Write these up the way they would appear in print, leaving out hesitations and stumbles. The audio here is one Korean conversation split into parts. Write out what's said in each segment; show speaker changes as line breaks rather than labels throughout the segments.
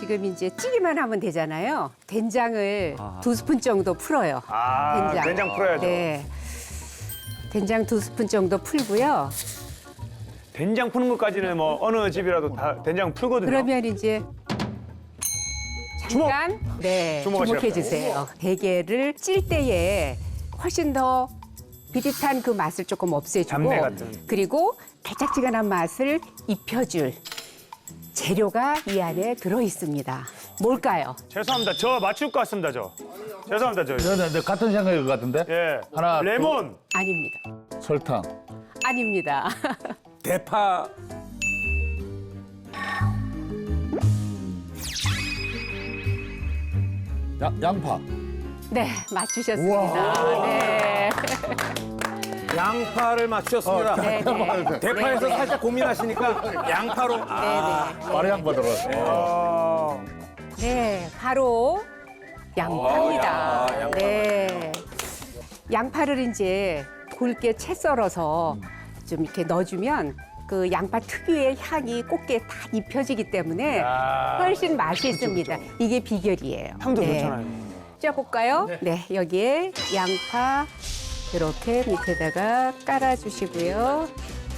지금 이제 찌기만 하면 되잖아요. 된장을 2스푼 정도 풀어요.
된장 풀어야죠.
네. 된장 2스푼 정도 풀고요.
된장 푸는 것까지는 뭐 어느 집이라도 다 된장 풀거든요.
그러면 이제
주먹!
잠깐 네,
주먹을
주목해 주세요. 대게를 찔 때에 훨씬 더 비릿한 그 맛을 조금 없애주고
잡내 같은.
그리고 달짝지근한 맛을 입혀줄 재료가 이 안에 들어 있습니다. 뭘까요?
죄송합니다. 저 맞출 것 같습니다. 죄송합니다.
네, 같은 생각일 것 같은데?
예.
하나,
레몬.
아닙니다.
설탕.
아닙니다.
대파.
양파.
네, 맞추셨습니다. 네.
양파를 맞추셨습니다.
네, 네.
대파에서
네, 네.
살짝 고민하시니까 양파로.
바로 양파 들어갔어.
네, 바로 양파입니다.
양파.
네. 양파를 이제 굵게 채 썰어서 좀 이렇게 넣어주면 그 양파 특유의 향이 꽃게 다 입혀지기 때문에 훨씬 맛이 있습니다. 이게 비결이에요.
향도
네.
좋잖아요.
쪄볼까요? 네, 여기에 양파 이렇게 밑에다가 깔아주시고요.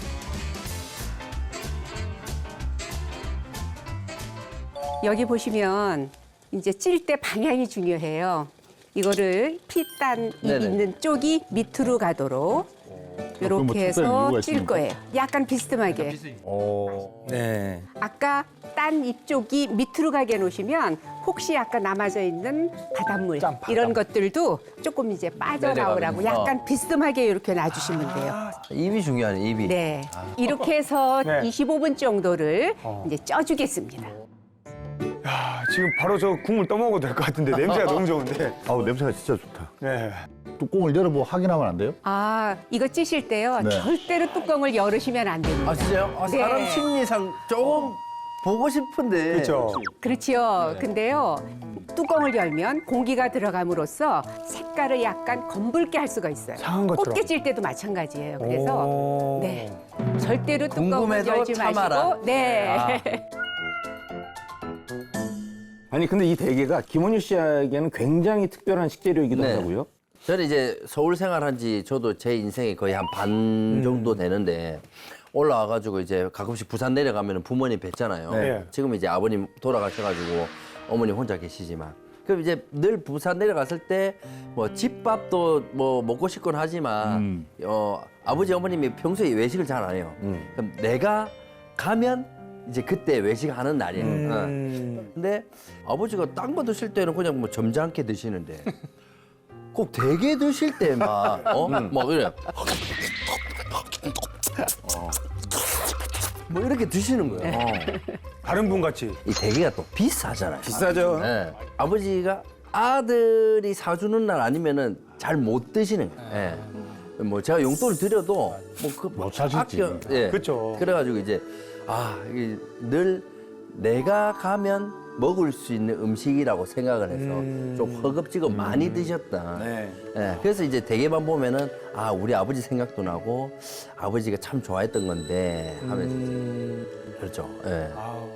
여기 보시면 이제 찔 때 방향이 중요해요. 이거를 피단 입
네네.
있는 쪽이 밑으로 가도록
뭐
이렇게
특별한
해서
이유가
찔
있습니까?
거예요. 약간 비스듬하게.
네.
아까 딴 입쪽이 밑으로 가게 놓으시면 혹시 아까 남아져 있는 바닷물 이런 것들도 조금 이제 빠져나오라고
내려가면서.
약간 비스듬하게 이렇게 놔주시면 돼요.
입이 중요하네, 입이.
네. 이렇게 해서
네.
25분 정도를 이제 쪄주겠습니다.
야, 지금 바로 저 국물 떠먹어도 될 것 같은데 냄새가 너무 좋은데.
아우, 냄새가 진짜 좋다.
네.
뚜껑을 열어보고 확인하면 안 돼요?
아, 이거 찌실 때요.
네.
절대로 뚜껑을 열으시면 안 됩니다.
아, 진짜요? 아,
네.
사람 심리상 조금 보고 싶은데.
그렇죠.
그렇지요.
네.
근데요. 뚜껑을 열면 공기가 들어감으로써 색깔을 약간 검붉게 할 수가 있어요.
상한 것처럼.
꽃게 찔 때도 마찬가지예요. 그래서
오.
네. 절대로 뚜껑을
궁금해도
열지
참아라.
마시고 네.
아니 근데 이 대게가 김원유 씨에게는 굉장히 특별한 식재료이기도
네.
하다고요?
저는 이제 서울 생활한 지 저도 제 인생이 거의 한 반 정도 되는데 올라와가지고 이제 가끔씩 부산 내려가면 부모님 뵙잖아요.
네.
지금 이제 아버님 돌아가셔가지고 어머님 혼자 계시지만. 그럼 이제 늘 부산 내려갔을 때 뭐 집밥도 뭐 먹고 싶곤 하지만 아버지 어머님이 평소에 외식을 잘 안 해요. 그럼 내가 가면 이제 그때 외식하는 날이에요. 근데 아버지가 딴 거 드실 때는 그냥 뭐 점잖게 드시는데 꼭 대게 드실 때 막 막 이래. 뭐 이렇게 드시는 거예요.
다른 분 같이.
이 대게가 또 비싸잖아요.
비싸죠.
네. 아버지가 아들이 사주는 날 아니면은 잘 못 드시는 거예요. 네. 뭐 제가 용돈을 드려도
못 사시지.
예.
그쵸.
그래가지고 이제 이게 늘 내가 가면 먹을 수 있는 음식이라고 생각을 해서 좀 허겁지겁 많이 드셨다.
네.
예, 그래서 이제 대게만 보면은 우리 아버지 생각도 나고 아버지가 참 좋아했던 건데 하면서 이제 그렇죠. 예.